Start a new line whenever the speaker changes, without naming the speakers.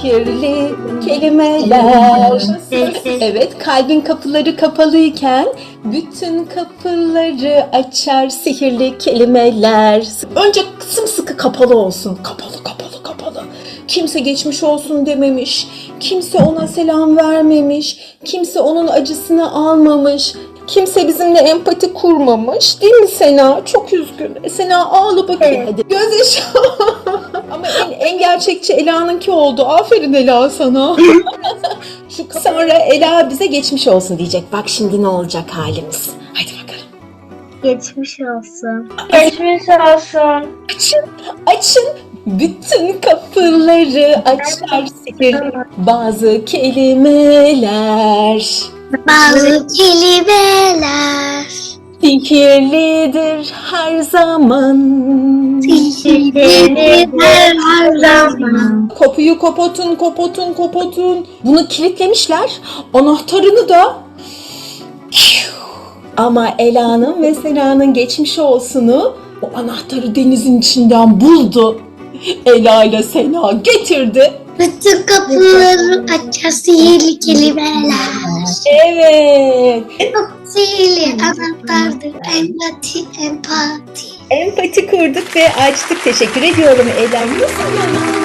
sihirli kelimeler. Evet, kalbin kapıları kapalıyken bütün kapıları açar sihirli kelimeler. Önce sımsıkı kapalı olsun. Kapalı, kapalı, kapalı. Kimse geçmiş olsun dememiş. Kimse ona selam vermemiş. Kimse onun acısını almamış. Kimse bizimle empati kurmamış. Değil mi Sena? Çok üzgün. Sena ağla bakayım.
Evet.
Hadi. Gözyaşı. Ama en gerçekçi Ela'nınki oldu. Aferin Ela sana. Sonra Ela bize geçmiş olsun diyecek. Bak şimdi ne olacak halimiz. Hadi bakalım.
Geçmiş olsun. Geçmiş olsun.
Açın, açın. Bütün kapıları açar sihirli bazı kelimeler.
Bazı kelimeler.
Sihirlidir her zaman.
Sihirlidir her zaman.
Kapıyı kapatın, kapatın, kapatın. Bunu kilitlemişler. Anahtarını da... Ama Ela'nın ve Sena'nın geçmiş olsunu o anahtarı denizin içinden buldu. Ela ile Sena getirdi.
Bütün kapıları açar sihirli kelimeler.
Evet.
Sihirli anahtardır. Empati.
Empati kurduk ve açtık. Teşekkür ediyorum Ela.